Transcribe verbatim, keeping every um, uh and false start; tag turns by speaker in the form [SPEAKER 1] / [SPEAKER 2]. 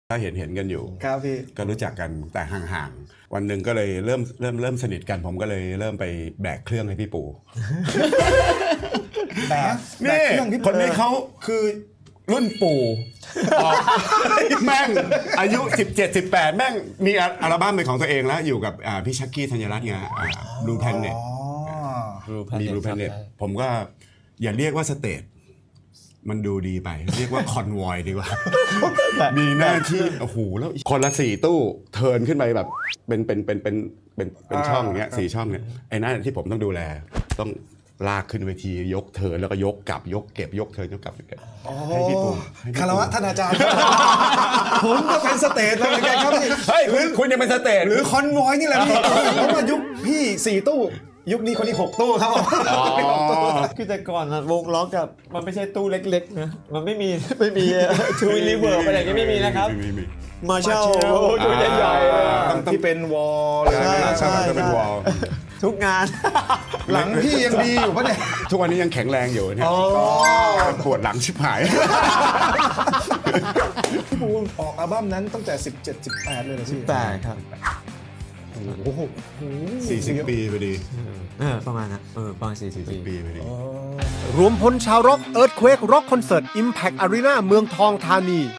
[SPEAKER 1] ถ้าเห็นเห็นกันอยู่
[SPEAKER 2] ครับพี่
[SPEAKER 1] ก็รู้จักกันแต่ห่างๆวันหนึ่งก็เลยเริ่มเริ่มเริ่มสนิทกันผมก็เลยเริ่มไปแบกเครื่องให้พี่ปู่
[SPEAKER 2] แบก
[SPEAKER 1] นี่คนนี้เขา
[SPEAKER 2] คือ
[SPEAKER 1] รุ่นปู่แม่งอายุสิบเจ็ด สิบแปดแม่งมีอัลบั้มเป็นของตัวเองแล้วอยู่กับพี่ชักกี้ธัญรัตน์ไงบลูแพนเน็ตมีบลูแพนเน็ตผมก็อย่าเรียกว่าสเตจมันดูดีไปเรียกว่าคอนวอยดีกว่ามีหน้าที่โอ้โหแล้วคนละสี่ตู้เทิร์นขึ้นไปแบบเป็นเป็นเป็นเป็นเป็นเป็นช่องอย่างเงี้ยสี่ช่องเนี่ยไอ้นั่นที่ผมต้องดูแลต้องลากขึ้นเวทียกเทิร์นแล้วก็ยกกลับยกเก็บยกเทิร์นยกกลับให้พี่ปู่
[SPEAKER 2] คารวะท่านอาจารย์ผมก็เป็นสเตจแล้วเหมือนกันครับพี่
[SPEAKER 1] เฮ้ยคุณคุณยังเป็นสเตจ
[SPEAKER 2] หรือคอนวอยนี่แหละพี่ผมมายุคพี่สี่ตู้ยุคนี้คนนี้หกตู้ครับผม
[SPEAKER 3] คือแต่ก่อนอะวงล็อกกับมันไม่ใช่ตู้เล็กๆนะมันไม่มีไม่มีทูวิลลิเวิร์อะไรอย่างนี้ไม่มีนะครับมาเช่าตู้ใหญ่
[SPEAKER 2] ๆที่เป็นวอลเลย
[SPEAKER 1] ใช่จะเป็นวอล
[SPEAKER 3] ทุกงาน
[SPEAKER 2] หลังพี่ยังดีอยู่ปะเนี่ย
[SPEAKER 1] ทุกวันนี้ยังแข็งแรงอยู่เนี่ยปวดหลังชิบหาย
[SPEAKER 2] พี่ปูออกอัลบั้มนั้นตั้งแต่สิบเจ็ด สิบแปดเลยเหรอพี่
[SPEAKER 3] สิบแปดครับ
[SPEAKER 2] โอ้โห
[SPEAKER 1] สี่สิบปีพอดี
[SPEAKER 3] เออประมาณนั้นเออประมาณสี่สิบ
[SPEAKER 1] ปีพอดี
[SPEAKER 4] รวมพลชาวร็อกเอิร์ธเควกร็อกคอนเสิร์ต Impact Arena เมืองทองธานี